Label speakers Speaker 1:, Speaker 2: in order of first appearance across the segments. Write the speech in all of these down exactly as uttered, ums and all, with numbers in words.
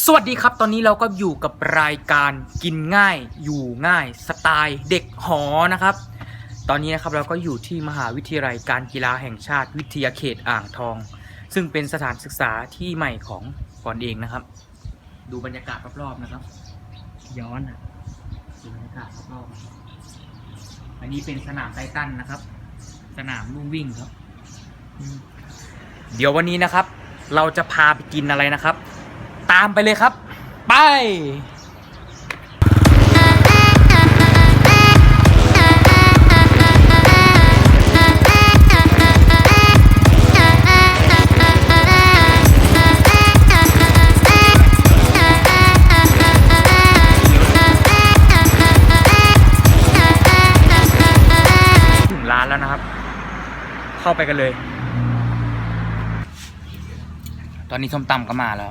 Speaker 1: สวัสดีครับตอนนี้เราก็อยู่กับรายการกินง่ายอยู่ง่ายสไตล์เด็กหอนะครับตอนนี้นะครับเราก็อยู่ที่มหาวิทยาลัยการกีฬาแห่งชาติวิทยาเขตอ่างทองซึ่งเป็นสถานศึกษาที่ใหม่ของก่อนเองนะครับดูบรรยากาศรอบๆนะครับย้อนอ่ะดูบรรยากาศรอบๆอันนี้เป็นสนามไททันนะครับสนามลู่วิ่งครับเดี๋ยววันนี้นะครับเราจะพาไปกินอะไรนะครับตามไปเลยครับไปถึงร้านแล้วนะครับเข้าไปกันเลยตอนนี้ส้มตำก็มาแล้ว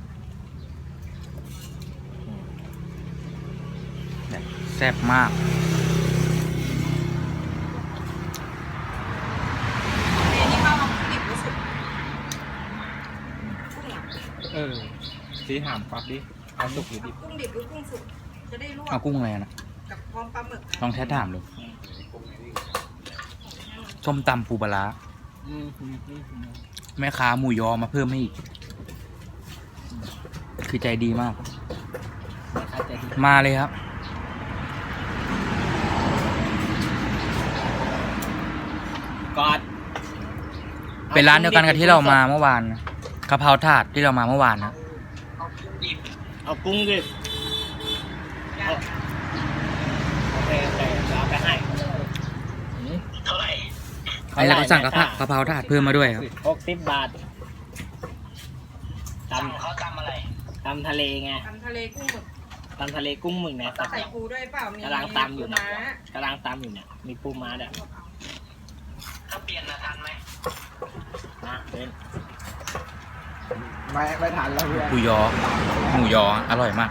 Speaker 1: แซ่บมาก
Speaker 2: เออสีถามปั๊บดิเอาสุกหรือดิบ
Speaker 3: กุ้งดิบหรือกุ้งสุกจะได้ลวก
Speaker 1: เอากุ้งอะไรนะ
Speaker 3: กับพร้อมปลาหมึก
Speaker 1: ลองแท้ถามดูส้มตำปูปลาร้าแม่ค้าหมูยอมาเพิ่มให้อีกคือใจดีมากมาเลยครับ
Speaker 2: กอด
Speaker 1: เป็นร้านเดียวกันกับที่เรามาเมื่อวานนะกะเพราถาดที่เรามาเมื่อวานนะ
Speaker 2: เอากุ้งดิบเอาโอเคโอเคเดี๋ยวเอาไปให้เท่าไหร่
Speaker 1: อันนี้เราก็สั่งกะเพรากะเพราถาดเพิ่มมาด้วยครับ
Speaker 2: หกสิบบาทตำเขาตำอะไรตำทะเลไง
Speaker 3: ทำทะเลกุ้งหมึก
Speaker 2: ตำทะเลกุ้งหมึกเนี่ย
Speaker 3: ใส่ปูด้วยเปล่ามี
Speaker 2: กำลังตำอยู่
Speaker 3: ปู
Speaker 2: นะ
Speaker 3: ม้าก
Speaker 2: ำลังตำอยู่เนี่ยมีปูม้าเนี่ยถ้าเปลี่ยนนะทันไหมนะเป็นไม่ไม่ทันแล้วเพื่อน
Speaker 1: หมูยอหมูยออร่อยมาก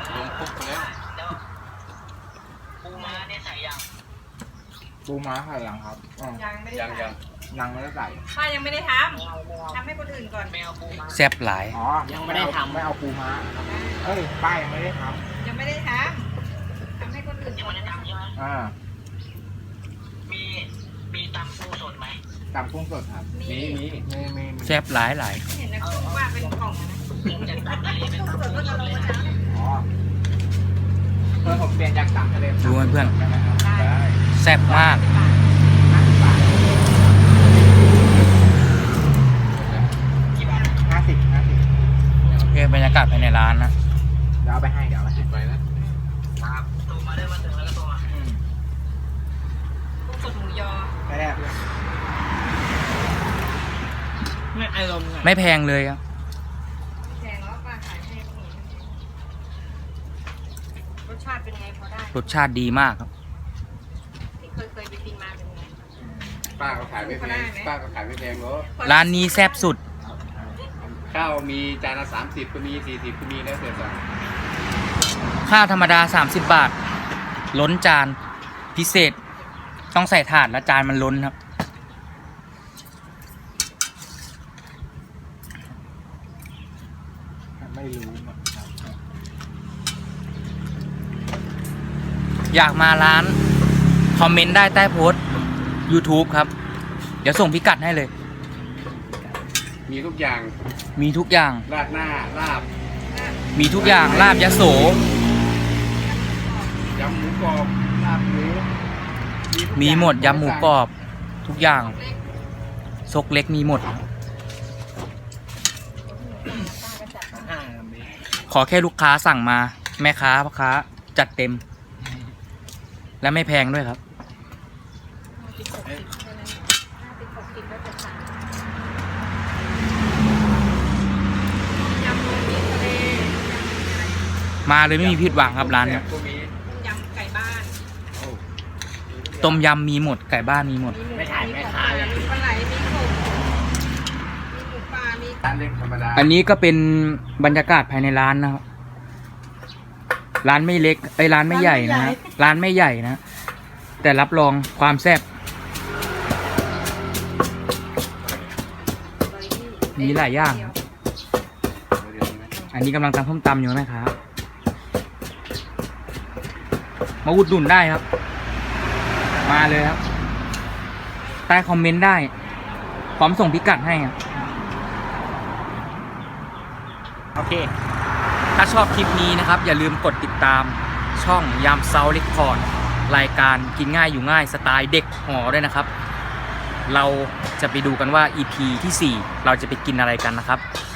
Speaker 2: ปูม้าเนี่ยใส่ยังปูม้าใส่ยังครับ
Speaker 3: ยังไม่ได้
Speaker 2: ยังยังยังไม่ได้ใส่
Speaker 3: ป้ายังไม่ได้ทำทำให้คนอื่นก่อนไม่เอาปูม้า
Speaker 1: แซ่บหลาย
Speaker 2: อ๋อยังไม่ได้ทำไม่เอาปูม้าเอ้ยป้ายังไม่ได้ท
Speaker 3: ยังไม่ได้ทำทำให้คนอื่นก่อนนะ
Speaker 2: ำอ่า
Speaker 4: มีมีตำปูสดไหม
Speaker 2: ตำกุ้งสดครับมีมีมีมี
Speaker 1: แซ่บหลายหลาย
Speaker 3: เห็นนะกุ้งว่าเป็นกล่องนะ
Speaker 4: จากตำทะเลเป็น
Speaker 3: กุ้ง
Speaker 4: ตำ
Speaker 3: สด
Speaker 4: ปู
Speaker 3: ก็
Speaker 4: ส
Speaker 3: จะ
Speaker 4: ด
Speaker 3: ลง
Speaker 4: เลย
Speaker 3: มา
Speaker 4: นะ
Speaker 2: อ๋อเพื่อนผมเปลี่ยนจากตำทะเล
Speaker 1: ดูไหมเพื่อน
Speaker 2: ได้
Speaker 1: แซ่บมาก
Speaker 2: ห้าสิบห้าสิบ
Speaker 1: โอเคบรรยากาศภายในร้านนะ
Speaker 2: เดี๋ยวเอาไปให้เดี๋ยวเอาไปให้ไปแล้ว
Speaker 4: ครับโทรมาได้มาถึงแล้วก็โทรมา
Speaker 3: กุ้งสดหมูยอ
Speaker 2: ไปแรกไม่อารมณ์ไง
Speaker 1: ไม่แพงเลยครับ
Speaker 3: แพงแล้วป้าขายให้คนอื่นรสชาติเป็นไงพอได้
Speaker 1: รสชาติดีมากครับ
Speaker 3: ที่เคยเคยไปกินมาเป็นไง
Speaker 5: ป้าก็ขายไม่แพงป้าก็ขายไม่แพงหรอก
Speaker 1: ร้านนี้แซ่บสุด
Speaker 5: ข้าวมีจานละสามสิบก็มีสี่สิบก็มีแล้วแต่สั่ง
Speaker 1: ข้าวธรรมดาสามสิบบาท ล้นจานพิเศษ ต้องใส่ถาดแล้วจานมันล้นครับ
Speaker 2: ไม่รู้
Speaker 1: อยากมาร้านคอมเมนต์ได้ใต้โพสต์ YouTube ครับ เดี๋ยวส่งพิกัดให้เลย
Speaker 5: มีทุกอย่าง
Speaker 1: มีทุกอย่าง
Speaker 5: ราดหน้าลาบ
Speaker 1: มีทุกอย่างลาบยโส
Speaker 5: ยำหมูกรอบลาบหมูทุก
Speaker 1: มี
Speaker 5: อย่าง
Speaker 1: หมดยำหมูกรอบ ทุกอย่าง ซกเล็กมีหมด
Speaker 2: อ่า
Speaker 1: ขอแค่ลูกค้าสั่งมา แม่ค้าพ่อค้าจัดเต็ม และไม่แพงด้วยครับ
Speaker 3: ยำรวมมิตรทะเล
Speaker 1: มาเลยไม่มีผิดหวังครับร้านเนี้ย
Speaker 5: ก็มี
Speaker 3: ต้มยำไก่บ้าน
Speaker 5: โอ้
Speaker 1: ต้มยำมีหมด ไก่บ้านมีหมด
Speaker 3: มีหมูมีของปลามีปลาไหลมีกบมีหมูปลามี
Speaker 5: ร้านเล็กธรรมดา
Speaker 1: อันนี้ก็เป็นบรรยากาศภายในร้านนะครับ ร้านไม่เล็กไอ้ยร้านไม่ใหญ่นะฮะร้านไม่ใหญ่นะ แต่รับรองความแซ่บ มีหลายอย่าง
Speaker 5: เดี๋ยวนี้ไหม
Speaker 1: อันนี้กำลังตำส้มตำอยู่นะครับมาอุดหนุนได้ครับ มาเลยครับใต้คอมเมนต์ได้พร้อมส่งพิกัดให้ครับโอเคถ้าชอบคลิปนี้นะครับอย่าลืมกดติดตามช่องยามเซาเล็กพอร์ตรายการกินง่ายอยู่ง่ายสไตล์เด็กหอด้วยนะครับเราจะไปดูกันว่า อี พี ที่สี่เราจะไปกินอะไรกันนะครับ